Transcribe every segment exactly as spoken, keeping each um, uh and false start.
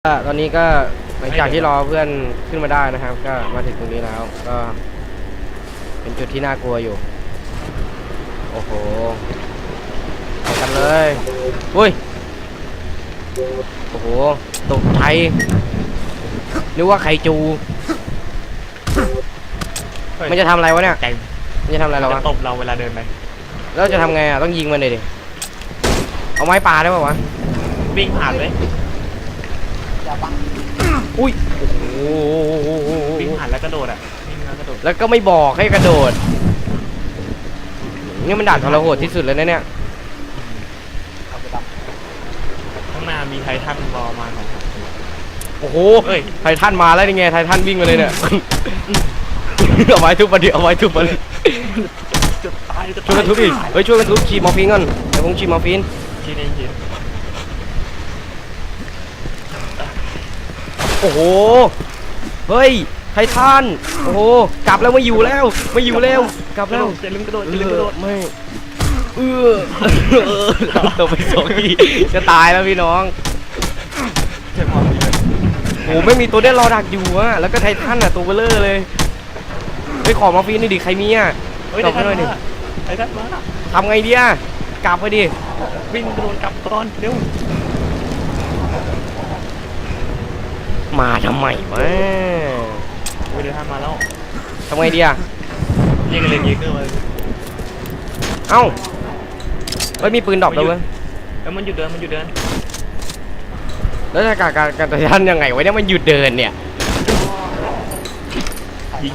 ตอนนี้ก็หลังจากที่รอเพื่อนขึ้นมาได้นะครับก็มาถึงตรงนี้แล้วก็เป็นจุดที่น่ากลัวอยู่โอ้โหไปกันเลยอุ้ยโอ้โหตกใจนึกว่าไข่จูมันจะทำอะไรวะเนี่ยมันจะทำอะไรเราวะตบเราเวลาเดินไปแล้วจะทำไงอ่ะต้องยิงมันเลยดิเอาไม้ปลาได้ป่าวะวิ่งผ่านเลยอุ้ยโอ้โหวิ่งผ่านแล้วกระโดดอ่ะวิ่งแล้วกระโดดแล้วก็ไม่บอกให้กระโดดนี่มันด่านทรหดที่สุดเลยนะเนี่ยข้างหน้ามีไททันรอมาสองสามตัวโอ้โหไททันมาแล้วนี่ไงไททันวิ่งมาเลยเนี่ยเอาไว้ทุบมาดิเอาไว้ทุบมาเลยจะตายจะช่วยกันทุบดิเฮ้ยช่วยกันทุบฉีดมอร์ฟีนก่อนเดี๋ยวผมฉีดมอร์ฟีนฉีดเองฉีดโอ้โหเฮ้ยไททันโอ้โหกลับแล้วไม่อยู่แล้วไม่อยู่แล้วกลับแล้วจะลืมกระโดดจะลืมกระโดดไม่เออตกไปสองทีจะตายแล้วพี่น้องโอ้ไม่มีตัวเด่นรอดักอยู่อะแล้วก็ไททันอะตัวเบลเลอร์เลยไปขอมอร์ฟีนนี่ดิใครมีอะกลับมาดิไททันมาทำไงดีอะกลับไปดิวิ่งกระโดดกลับก่อนเร็วมาทำไมวะเดี๋ยวทำมาแล้วทำไงดีอะยิงกันเลยยิงกันเลยเอ้าไม่มีปืนดอกเลยเว้ยแล้วมันหยุดเดินมันหยุดเดินแล้วจะการการการทันยังไงวะเนี่ยมันหยุดเดินเนี่ยยิง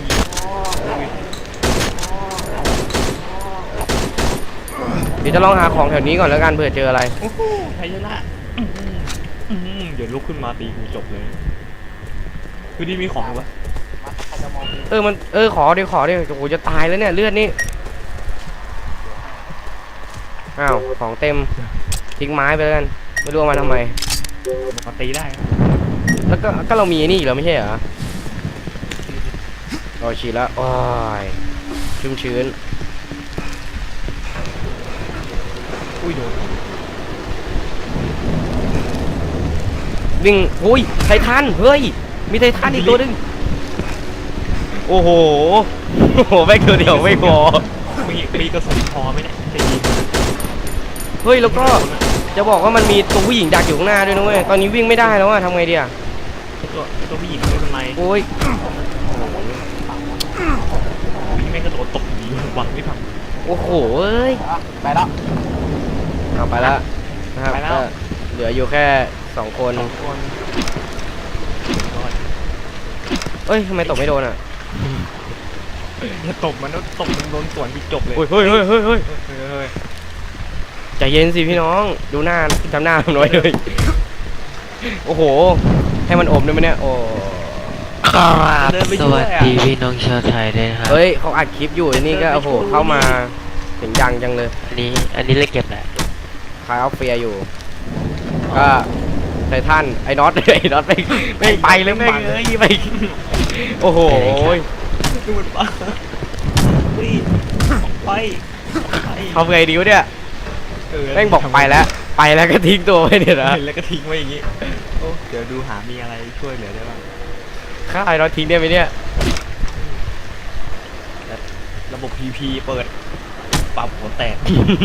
เดี๋ยวจะลองหาของแถวนี้ก่อนแล้วกันเผื่อเจออะไรไทยชนะเดี๋ยวลุกขึ้นมาตีกูจบเลยคือนี่มีของวะเออมันเออขอเดี๋ยวขอเดี๋ยวโอ้โหจะตายแล้วเนี่ยเลือดนี่อ้าวของเต็มทิ้งไม้ไปแล้วกันไม่รู้มาทำไมมาตีได้แล้วก็ก็เรามีนี่อีกแล้วไม่ใช่เหรอโอ้ฉีดแล้วโอ้ยชุ่มชื้นอุ้ยโดนวิ่งอุ้ยไททันเฮ้ยมีไททันอีกตัวนึงโอ้โหโอ้โหแม่งตัวเดียวไม่พอมีมีกระสุนพอไหมเนี่ยจะยิงเฮ้ยแล้วก็จะบอกว่ามันมีตัวผู้หญิงดักอยู่ข้างหน้าด้วยนะเว้ยตอนนี้วิ่งไม่ได้แล้วอะทำไงดีอะตัวตัวผู้หญิงไม่เป็นไรโอ้ยพี่แม่งกระโดดตบดีหวังไม่ทำโอ้โหเอ้ยไปแล้วเอาไปแล้วนะครับก็เหลืออยู่แค่สองคนเอ้ยทำไมตบไม่โดนอะจะตบมันแล้วตบมันโดนสวนที่จบเลยเฮ้ยเฮ้ยเฮ้ยเฮ้ยเฮ้ยใจเย็นสิพี่น้องดูหน้าจำหน้าผมหน่อยเลยโอ้โหให้มันอมได้ไหมเนี่ยโอ้ครับสวัสดีพี่น้องชาวไทยด้วยครับเฮ้ยเขาอัดคลิปอยู่นี่ก็โอ้โหเข้ามาเสียงดังจังเลยอันนี้อันนี้เลยเก็บแหละคายออฟเฟียอยู่ก็ไททันไอ้น็อตไอ้น็อตไปไม่ไปเลยไม่เอ้ยไปโอ้โหดูมันปะไปทำไงดีวะเนี่ยแม่งบอกไปแล้วไปแล้วก็ทิ้งตัวไว้เนี่ยนะแล้วก็ทิ้งไว้อย่างงี้เดี๋ยวดูหามีอะไรช่วยเหลือได้บ้างข้าไอ้น็อตทิ้งได้ไหมเนี่ยระบบ พี พี เปิดปรับหัวแตก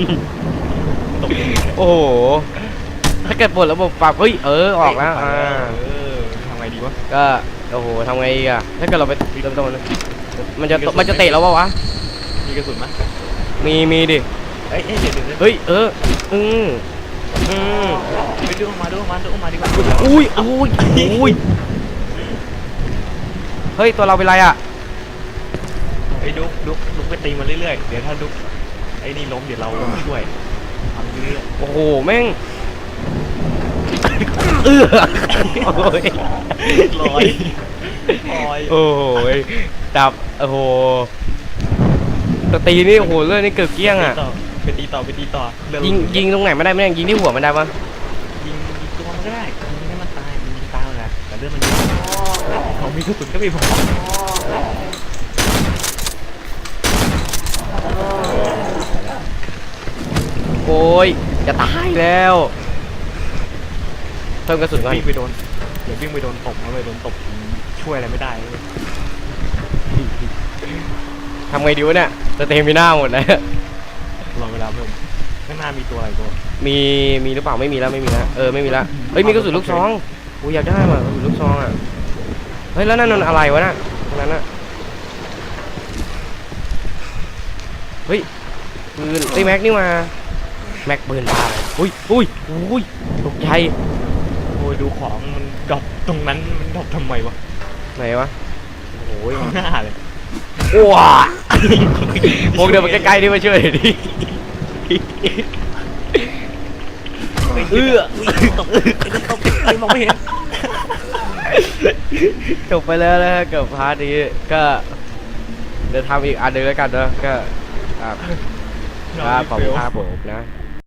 โอ้โหถ้าเกิดปลดระบบปรับเฮ้ยเออออกแล้วอ่าทำไงดีวะก็โอ้โหทำไงอ่ะถ้าเกิดเราไปเริ่มต้นมันจะมันจะเตะเราวะวะมีกระสุนไหมมีมีดิเฮ้ยเดี๋ยวเฮ้ยเอออืมอืมไปดูมาดูมาดูมาดีกว่าอุ้ยอุ้ยอุ้ยเฮ้ยตัวเราเป็นไรอ่ะไอ้ดุ๊กดุ๊กดุ๊กไปตีมาเรื่อยๆเดี๋ยวถ้าดุ๊กไอ้นี่ล้มเดี๋ยวเราช่วยทำเรื่อยโอ้โหแม่งเออโอ้ยลอยลอยโอ้โหจับโอ้โหตตีนี่โอ้โหเรื่องนี้เกือบเกี้ยงอ่ะไปตีต่อไปตีต่อยิงยิงตรงไหนไม่ได้ไม่ได้ยิงที่หัวมันได้ปะยิงยิงตัวมันก็ได้ยิงให้มันตายยิงตายเลยแต่เรื่องมันเขามีกระสุนก็มีพอโอ้ยจะตายแล้วเพิ่มกระสุนก่อนไปโดนอย่าวิ่งไปโดนตบนะไปโดนตบช่วยอะไรไม่ได้เลยทำไงดีวะเนี่ยสเตมิน่าหมดแล้วรอเวลาเพิ่มข้างหน้ามีตัวอะไรตัวมีมีหรือเปล่าไม่มีแล้วไม่มีแล้วเออไม่มีแล้วเฮ้ยมีกระสุนลูกซองกูอยากได้ว่ะกระสุนลูกซองอ่ะเฮ้ยแล้วนั่นมันอะไรวะน่ะตรงนั้นน่ะเฮ้ยปืนไอ้ยแม็กนี่มาแม็กปืนบ้าเลยอุ้ยอุ้ยอุ้ยตกใจโอ้ยดูของมันดรอปตรงนั้นมันดรอปทำไมวะไหนวะโอ้ยข้างหน้าเลยว้าพวกเดินมาใกล้ๆนี่มาช่วยหน่อยดิเอื้อตบตบไอ้มองไม่เห็นจบไปแล้วนะฮะกับพาร์ทนี้ก็เดี๋ยวทำอีกอันหนึงแล้วกันเนอะก็ครับครับขอบคุณครับผมนะ